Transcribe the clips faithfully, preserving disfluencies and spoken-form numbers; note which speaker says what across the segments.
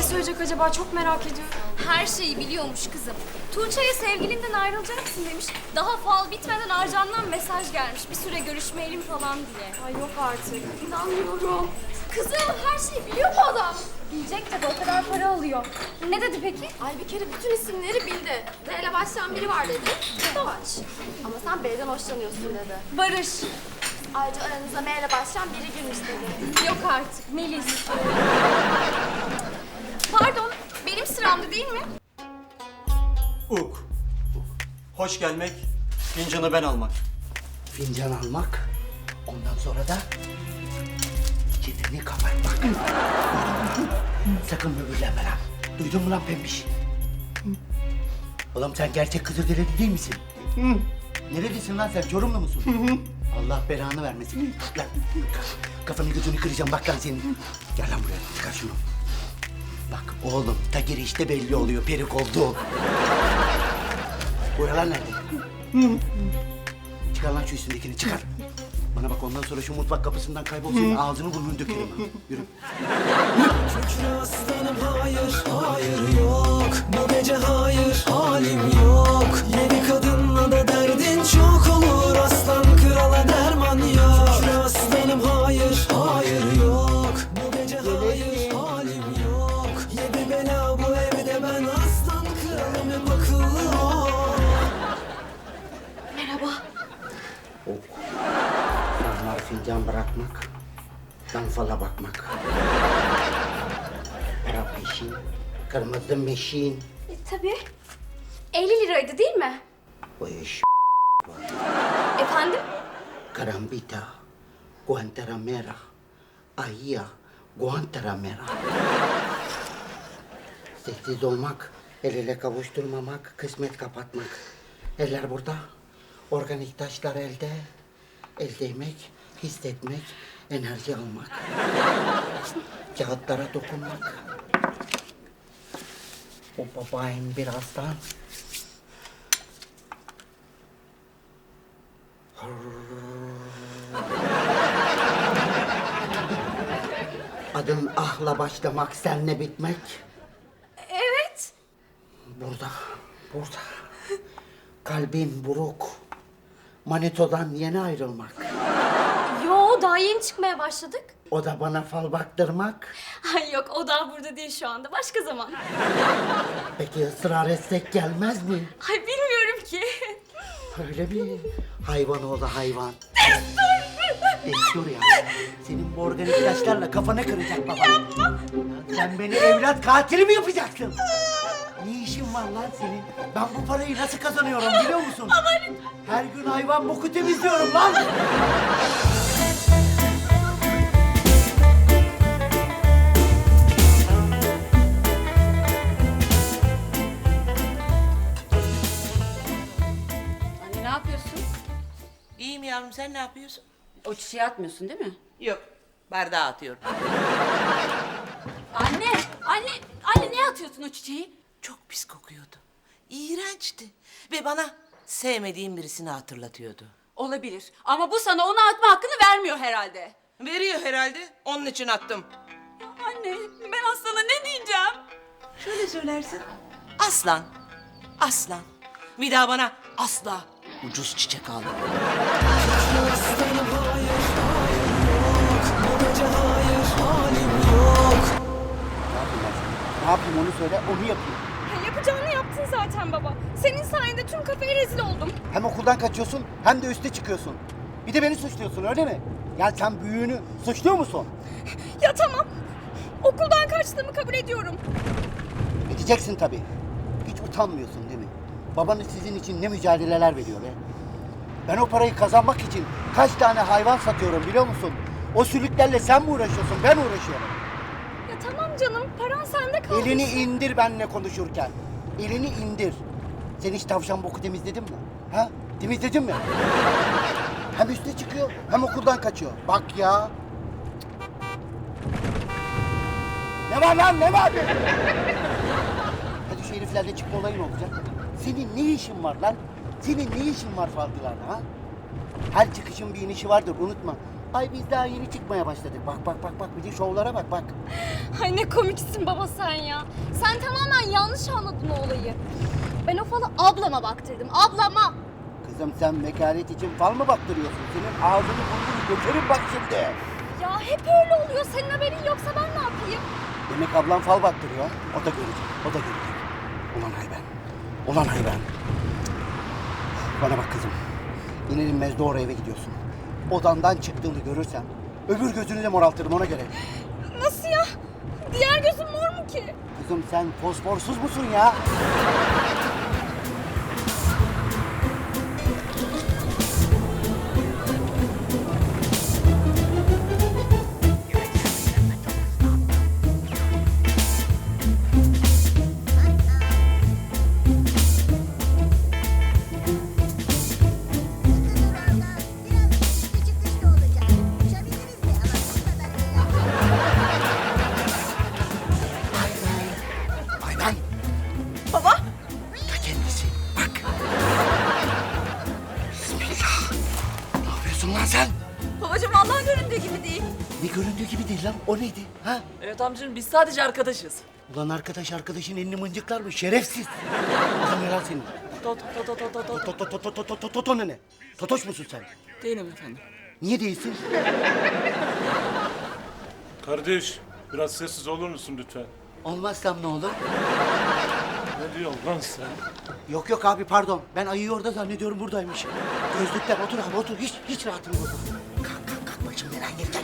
Speaker 1: söyleyecek acaba? Çok merak ediyorum.
Speaker 2: Her şeyi biliyormuş kızım. Tuğçe'ye sevgilinden ayrılacaksın demiş. Daha fal bitmeden Arcan'dan mesaj gelmiş. Bir süre görüşmeyelim falan diye.
Speaker 1: Ay yok artık. İnanmıyorum.
Speaker 2: Kızım her şeyi biliyor bu adam. Bilecek tabii, o kadar para alıyor. Ne dedi peki?
Speaker 1: Ay bir kere bütün isimleri bildi. D ile başlayan biri var dedi. Doğaç. Ama sen B'den hoşlanıyorsun dedi.
Speaker 2: Barış.
Speaker 1: Ayrıca aranızda M ile başlayan biri girmiş dedi.
Speaker 2: Yok artık, Melis. Pardon, benim sıramdı değil mi?
Speaker 3: Uk. Hoş gelmek, fincanı ben almak.
Speaker 4: Fincan almak, ondan sonra da çeneni kapatmak. Sakın böbürlenme lan. Duydun mu lan pembiş? Oğlum sen gerçek Kızılderili değil misin? Nerelisin lan sen? Çorumlu musun? Allah belanı vermesin. Lan kafanı gözünü kıracağım bak lan senin. Gel lan buraya, çıkar şunu. Bak oğlum, ta girişte belli oluyor perik oldu. Buralar nerede? Çıkar lan şu üstündekini, çıkar. Bana bak, ondan sonra şu mutfak kapısından kaybol, senin ağzını burnunu dökerim ha. Yürü.
Speaker 5: Şükrü aslanım hayır, hayır yok. Bu gece hayır, halim yok. Yedi kadınla da derdin çok olur. Aslan krala derman yok. Şükrü aslanım hayır, hayır yok. Bu gece hayır, halim yok. Yedi bela bu evde, ben aslan kralım, hep akıllı ol.
Speaker 4: Damlar fincan bırakmak, dan fala bakmak. Para peşin, kırmızı meşin.
Speaker 2: E, tabii. elli liraydı değil mi?
Speaker 4: O iş
Speaker 2: Efendim?
Speaker 4: Karambita, Guantanamera, Ahia, Guantanamera. Sessiz olmak, el ele kavuşturmamak, kısmet kapatmak. Eller burada, organik taşlar elde. El değmek, hissetmek, enerji almak. Kağıtlara dokunmak. O babayın birazdan. Adın ahla başlamak, senle bitmek.
Speaker 2: Evet.
Speaker 4: Burada, burada. Kalbin buruk. Manito'dan yeni ayrılmak.
Speaker 2: Yo, daha yeni çıkmaya başladık.
Speaker 4: O da bana fal baktırmak.
Speaker 2: Ay yok, o daha burada değil şu anda. Başka zaman.
Speaker 4: Peki ısrar etsek gelmez mi?
Speaker 2: Ay bilmiyorum ki.
Speaker 4: Öyle mi? Hayvan oğlu hayvan. Destur ya. Senin bu organik ilaçlarla kafanı kıracak baba. Yapma. Sen beni evlat katili mi yapacaksın? Ne işin var lan senin? Ben bu parayı nasıl kazanıyorum biliyor musun? Her gün hayvan boku temizliyorum lan.
Speaker 6: Anne ne yapıyorsun?
Speaker 7: İyiyim yavrum, sen ne yapıyorsun?
Speaker 6: O çiçeği atmıyorsun değil mi?
Speaker 7: Yok, bardağı atıyorum.
Speaker 6: Anne! Anne! Anne ne atıyorsun o çiçeği?
Speaker 7: Çok pis kokuyordu. İğrençti. Ve bana sevmediğim birisini hatırlatıyordu.
Speaker 6: Olabilir ama bu sana onu atma hakkını vermiyor herhalde.
Speaker 7: Veriyor herhalde, onun için attım.
Speaker 6: Anne ben Aslan'a ne diyeceğim?
Speaker 7: Şöyle söylersin. Aslan, aslan. Bir daha bana asla ucuz çiçek alma.
Speaker 5: Aslanım hayır, hayır yok. Bu gece hayır, halim yok.
Speaker 4: Ne yapayım onu söyle, onu yapayım.
Speaker 2: Ya yapacağını yaptın zaten baba. Senin sayende tüm kafeye rezil oldum.
Speaker 4: Hem okuldan kaçıyorsun hem de üste çıkıyorsun. Bir de beni suçluyorsun öyle mi? Ya sen büyüğünü suçluyor musun?
Speaker 2: Ya tamam. Okuldan kaçtığımı kabul ediyorum.
Speaker 4: Edeceksin tabii. Hiç utanmıyorsun değil mi? Babanız sizin için ne mücadeleler veriyor be? Ben o parayı kazanmak için kaç tane hayvan satıyorum biliyor musun? O sülüklerle sen mi uğraşıyorsun, ben uğraşıyorum.
Speaker 2: Ya tamam canım, paran sende kaldı.
Speaker 4: Elini indir benimle konuşurken. Elini indir. Sen hiç tavşan boku temizledin mi? Ha? Temizledin mi? Hem üste çıkıyor hem okuldan kaçıyor. Bak ya. Ne var lan ne var? Hadi şu heriflerle çıkma olayın olacak. Senin ne işin var lan? Senin ne işin var falcılarla ha? Her çıkışın bir inişi vardır unutma. Ay biz daha yeni çıkmaya başladık. Bak bak bak bak bir de şovlara bak bak.
Speaker 2: Ay ne komiksin baba sen ya. Sen tamamen yanlış anladın o olayı. Ben o falı ablama baktırdım. Ablama.
Speaker 4: Kızım sen vekalet için fal mı baktırıyorsun? Senin ağzını burnunu götürün bak şimdi.
Speaker 2: Ya hep öyle oluyor. Senin haberin yoksa ben ne yapayım?
Speaker 4: Demek ablam fal baktırıyor. O da görecek, o da görecek. Ulan hayvan, ulan hayvan. Bana bak kızım. İner inmez doğru eve gidiyorsun. Odandan çıktığını görürsem öbür gözünü de moraltırım ona göre.
Speaker 2: Nasıl ya? Diğer gözüm mor mu ki?
Speaker 4: Kızım sen fosforsuz musun ya? Hayvan.
Speaker 7: Baba.
Speaker 4: Ta kendisi. Bak. Bismillah. Ne yapıyorsun lan sen?
Speaker 6: Babacığım vallahi göründüğü gibi değil.
Speaker 4: Ne göründüğü gibi değil lan. O neydi? Ha?
Speaker 7: Evet amcacığım biz sadece arkadaşız.
Speaker 4: Ulan arkadaş arkadaşın elini mıncıklar mı? Şerefsiz. Ulan ne lan senin?
Speaker 7: To to to to to to.
Speaker 4: Toto toto toto toto toto ne? Totoş musun sen?
Speaker 7: Değilim efendim.
Speaker 4: Niye değilsin?
Speaker 8: Kardeş, biraz sessiz olur musun lütfen?
Speaker 4: Olmazsam ne olur?
Speaker 8: Ne diyorsun lan sen?
Speaker 4: Yok yok abi pardon. Ben ayıyı orada zannediyorum buradaymış. Gözlükler otur abi otur. Hiç hiç rahatım yok. Kalk kalk kalk başım neren gelecek.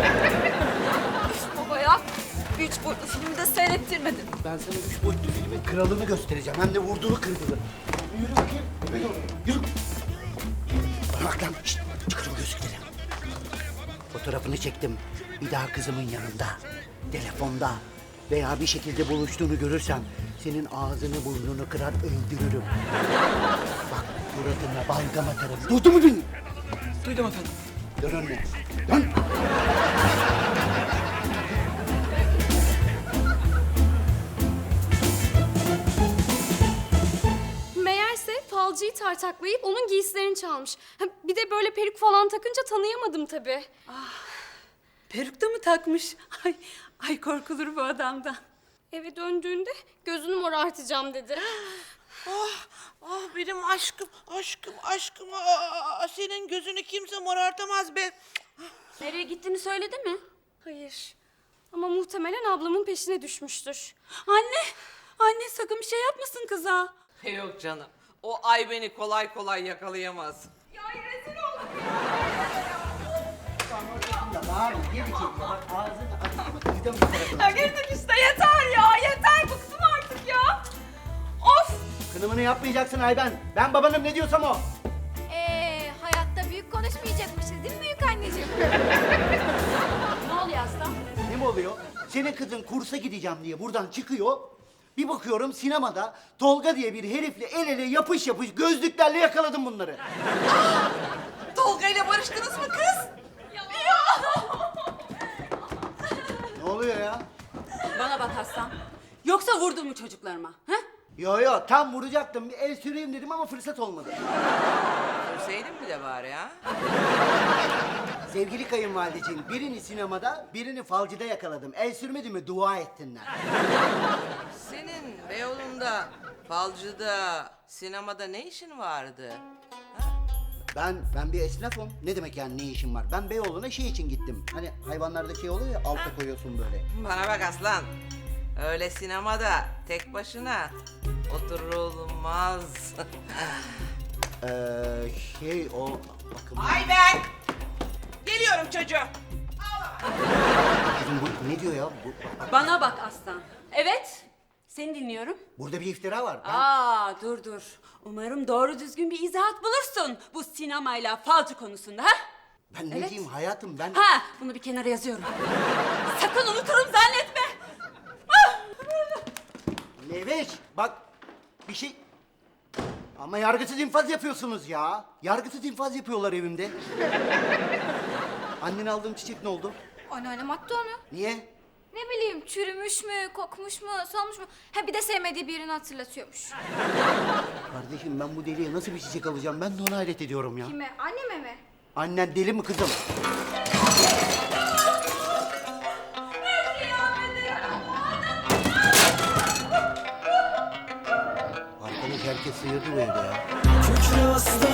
Speaker 6: Baba ya. Üç boyutlu filmi de seyrettirmedin.
Speaker 4: Ben sana üç boyutlu filmin kralını göstereceğim. Hem de vurduğunu kırdığını. Yürü bakayım. Yürü. Yürü. Bana bak lan. Şişt, çıkarın gözlükleri. Fotoğrafını çektim. Bir daha kızımın yanında. Telefonda. Veya bir şekilde buluştuğunu görürsem senin ağzını burnunu kırar öldürürüm. Bak suratına balgam atarım. Duydun mu beni?
Speaker 7: Duydum efendim.
Speaker 4: Dön önüne. Dön.
Speaker 2: Meğerse falcıyı tartaklayıp onun giysilerini çalmış. Ha, bir de böyle peruk falan takınca tanıyamadım tabii.
Speaker 6: Peruk da mı takmış? Ay, ay korkulur bu adamdan.
Speaker 2: Eve döndüğünde gözünü morartacağım dedi.
Speaker 7: Ah, ah benim aşkım, aşkım, aşkım. Aa, senin gözünü kimse morartamaz be.
Speaker 6: Nereye gittiğini söyledi mi?
Speaker 2: Hayır. Ama muhtemelen ablamın peşine düşmüştür.
Speaker 6: Anne, anne sakın bir şey yapmasın kıza.
Speaker 7: Yok canım. O ay beni kolay kolay yakalayamaz.
Speaker 4: Ya bağır, geri çek. Bak ağzını açtı mı kıydım bir tarafına.
Speaker 6: Ya girdik işte yeter ya, yeter bıktım artık ya. Of!
Speaker 4: Kınımını yapmayacaksın Ayben. Ben babanım ne diyorsam o.
Speaker 1: Ee, hayatta büyük konuşmayacakmışız değil mi büyük anneciğim?
Speaker 6: Ne oluyor aslan?
Speaker 4: Ne mi oluyor? Senin kızın kursa gideceğim diye buradan çıkıyor. Bir bakıyorum sinemada Tolga diye bir herifle el ele yapış yapış gözlüklerle yakaladım bunları.
Speaker 7: Tolga ile barıştınız mı kız?
Speaker 4: Ne oluyor ya?
Speaker 6: Bana bak Aslan. Yoksa vurdun mu çocuklarıma? Ha?
Speaker 4: Yo yo tam vuracaktım. Bir el süreyim dedim ama fırsat olmadı.
Speaker 7: Görseydin mi de bari ha?
Speaker 4: Sevgili kayınvalideciğim birini sinemada birini falcıda yakaladım. El sürmedi mi dua ettinler.
Speaker 7: Senin Beyoğlu'nda, falcıda, sinemada ne işin vardı?
Speaker 4: Ben ben bir esnafım. Ne demek yani ne işim var? Ben Beyoğlu'na şey için gittim. Hani hayvanlarda şey oluyor ya alta koyuyorsun böyle.
Speaker 7: Bana bak aslan. Öyle sinemada tek başına oturulmaz.
Speaker 4: Ee, şey o bakın.
Speaker 7: Ay ben! Geliyorum çocuğum.
Speaker 4: Kızım bu ne diyor ya? Bu,
Speaker 6: Bana bak Aslan. Evet, seni dinliyorum.
Speaker 4: burada bir iftira var. Ben...
Speaker 6: Aa, dur dur. Umarım doğru düzgün bir izahat bulursun bu sinemayla falcı konusunda, ha?
Speaker 4: Ben ne
Speaker 6: Evet.
Speaker 4: diyeyim hayatım ben...
Speaker 6: Ha, bunu bir kenara yazıyorum. Sakın unuturum zannetme.
Speaker 4: Leveş bak bir şey... Ama yargısız infaz yapıyorsunuz ya. Yargısız infaz yapıyorlar evimde. Annen aldığım çiçek ne oldu?
Speaker 1: Anneannem attı onu.
Speaker 4: Niye?
Speaker 1: Ne bileyim çürümüş mü, kokmuş mu, solmuş mu? Ha bir de sevmediği birini hatırlatıyormuş.
Speaker 4: Kardeşim ben bu deliye nasıl bir çiçek alacağım? Ben de ona hayret ediyorum ya.
Speaker 1: Kime? Anneme mi?
Speaker 4: Annen deli mi kızım? Arkadaş herkes sıyırdı bu evde ya.
Speaker 5: Kükre aslanım